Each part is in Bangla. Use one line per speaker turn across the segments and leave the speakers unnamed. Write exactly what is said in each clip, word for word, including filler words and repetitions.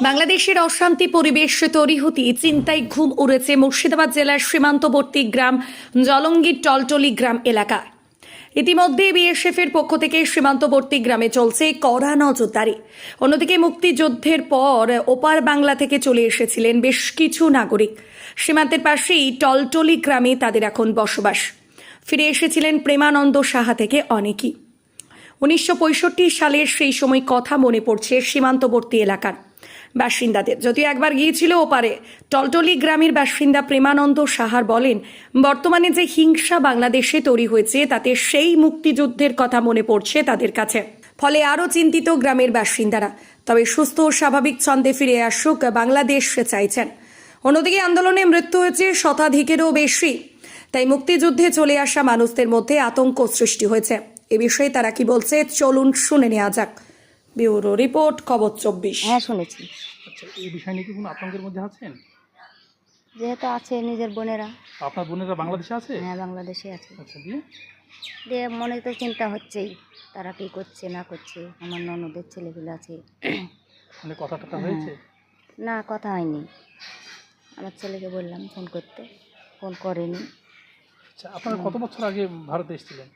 বাংলাদেশের অশান্তি পরিবেশ তৈরি হতে চিন্তায় ঘুম উড়েছে মুর্শিদাবাদ জেলার সীমান্তবর্তী গ্রাম জলঙ্গির টলটলি গ্রাম এলাকায়। ইতিমধ্যে বিএসএফের পক্ষ থেকে সীমান্তবর্তী গ্রামে চলছে কড়া নজরদারি। অন্যদিকে মুক্তিযুদ্ধের পর ওপার বাংলা থেকে চলে এসেছিলেন বেশ কিছু নাগরিক। সীমান্তের পাশেই টলটলি গ্রামে তাদের এখন বসবাস। ফিরে এসেছিলেন প্রেমানন্দ সাহা থেকে অনেকেই। উনিশশো পঁয়ষট্টি সালের সেই সময় কথা মনে পড়ছে সীমান্তবর্তী এলাকার বাসিন্দাদের। যদিও একবার গিয়েছিল ওপারে, টলটলি গ্রামের বাসিন্দা প্রেমানন্দ সাহার বলেন, বর্তমানে যে হিংসা বাংলাদেশে তৈরি হয়েছে তাতে সেই মুক্তিযুদ্ধের কথা মনে পড়ছে তাদের কাছে। ফলে আরও চিন্তিত গ্রামের বাসিন্দারা। তবে সুস্থ ও স্বাভাবিক ছন্দে ফিরে আসুক বাংলাদেশ চাইছেন। অন্যদিকে আন্দোলনে মৃত্যু হয়েছে শতাধিকেরও বেশি, তাই মুক্তিযুদ্ধে চলে আসা মানুষদের মধ্যে আতঙ্ক সৃষ্টি হয়েছে। এ বিষয়ে তারা কি বলছে চলুন শুনে নেওয়া যাক। ব্যুরো রিপোর্ট, খবর চব্বিশ।
হ্যাঁ, শুনেছি।
আচ্ছা, এই বিষয় নিয়ে কি কোনো আতঙ্কের মধ্যে আছেন?
যেহেতু আছে নিজের বোনেরা।
আপনার বোনেরা বাংলাদেশে আছে?
হ্যাঁ, বাংলাদেশে আছে।
আচ্ছা, দিয়ে
দিয়ে মনে তো চিন্তা হচ্ছেই, তারা কি করছে না করছে। আমার ননদের ছেলেগুলো আছে।
মানে কথা টথা
হ্যাঁ।
হয়েছে?
না, কথা হয়নি। আমার ছেলেকে বললাম ফোন করতে, ফোন করেনি।
আচ্ছা, আপনারা কত বছর আগে ভারতে এসেছিলেন?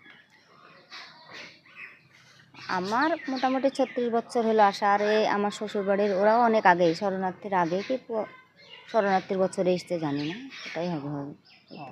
আমার মোটামুটি ছত্রিশ বছর হলো আসা। আর এই আমার শ্বশুরবাড়ির ওরাও অনেক আগেই, শরণার্থীর আগে কি প- শরণার্থীর বছরে এসতে জানি না, ওটাই হবে হবে।
ও।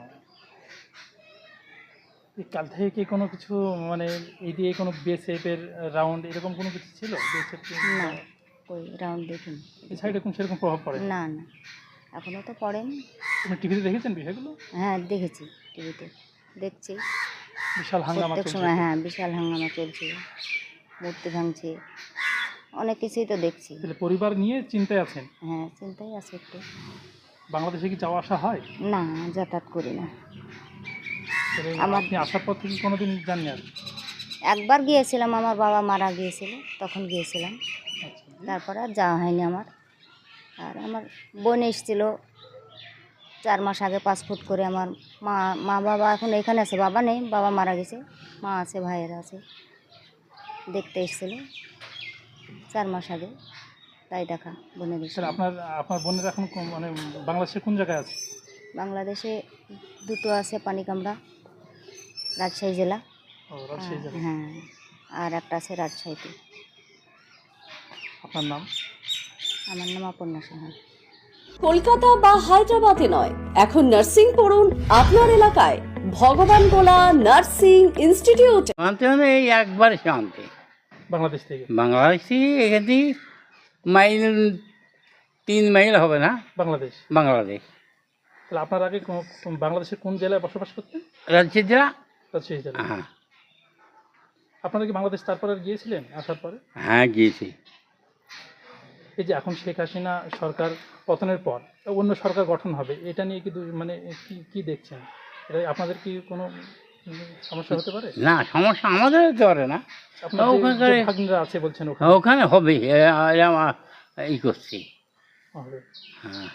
এই কাল থেকে কি কোনো কিছু মানে এই দিয়ে কোনো বিএসএফের রাউন্ড এরকম কোনো কিছু ছিল? বিএসএফ
না, ওই রাউন্ড দেখিনি।
এই সাইডে কোন সেরকম প্রভাব পড়ে?
না না, এখনও তো পড়েনি।
আপনি টিভিতে দেখেছেন বিষয়গুলো?
হ্যাঁ, দেখেছি, টিভিতে দেখছি
বিশাল হাঙ্গামা
প্রত্যেক
চলছে।
সময়। হ্যাঁ, বিশাল হাঙ্গামা চলছে, মূর্তি ভাঙছে, অনেক কিছুই তো দেখছি।
তাহলে পরিবার নিয়ে চিন্তায় আছেন?
হ্যাঁ, চিন্তাই আছে একটু।
বাংলাদেশে কি যাওয়া আসা হয়?
না, যাতায়াত করি না।
তাহলে
আমার-
আপনি আসার পর থেকে কোনোদিন জাননি আর?
একবার গিয়েছিলাম, আমার বাবা মারা গিয়েছিল, তখন গিয়েছিলাম।
আচ্ছা, দিয়ে?
তারপরে আর যাওয়া হয়নি আমার। আর আমার বোন এসেছিল চার মাস আগে, পাসপোর্ট করে। আমার মা মা বাবা এখন এখানে আছে, বাবা নেই, বাবা মারা গেছে। মা আছে, ভাইয়েরা আছে। দেখতে এসেছিল চার মাস আগে, তাই দেখা বোনের
স্যার,
সঙ্গে।
আপনার আপনার বোনের এখন কোন- মানে বাংলাদেশের কোন জায়গায় আছে?
বাংলাদেশে দুটো আছে, পানিকামড়া, রাজশাহী জেলা।
ও, রাজশাহী জেলা।
হ্যাঁ, আর একটা আছে রাজশাহীতে।
আপনার নাম?
আমার নাম অপর্ণা সাহা।
কলকাতা বা হায়দ্রাবাদে নয়, এখন নার্সিং পড়ুন আপনার এলাকায় ভগবান গোলা নার্সিং ইনস্টিটিউট।
শান্তি মানে এই একবার শান্তি।
বাংলাদেশ থেকে?
বাংলাদেশি এখানে মাইল তিন মাইল হবে না
বাংলাদেশ।
বাংলাদেশ।
তাহলে আপনার আগে কোন- কোন- বাংলাদেশের কোন জেলায় বসবাস করতেন?
রাজশাহী জেলা।
রাজশাহী জেলা।
হ্যাঁ
আপনারা কি বাংলাদেশ তারপরে আর গিয়েছিলেন আসার পরে?
হ্যাঁ গিয়েছি।
এই যে এখন শেখ হাসিনা সরকার পতনের পর অন্য সরকার গঠন হবে, এটা নিয়ে কি দু- মানে কি কি দেখছেন? এটা আপনাদের কি কোনো উম, সমস্যা হতে পারে?
না, সমস্যা আমাদের হতে পারে না।
আপনার যে-
ওখানকার-
যে ভাগ্নিরা আছে বলছেন ওখানে
ওখানে হবে এ- এ- আমার ই করছি।
হবে।
হ্যাঁ,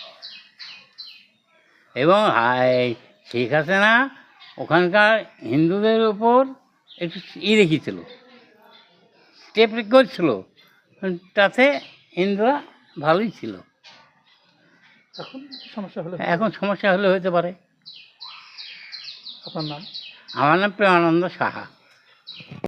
এবং হাই ঠিক আছে না, ওখানকার হিন্দুদের উপর একটু ই রেখেছিল, স্টেপ করছিল, তাতে হিন্দুরা ভালোই ছিল।
এখন সমস্যা হলে
এখন সমস্যা হলে হতে পারে।
আপনার নাম?
আমার নাম প্রেমানন্দ সাহা।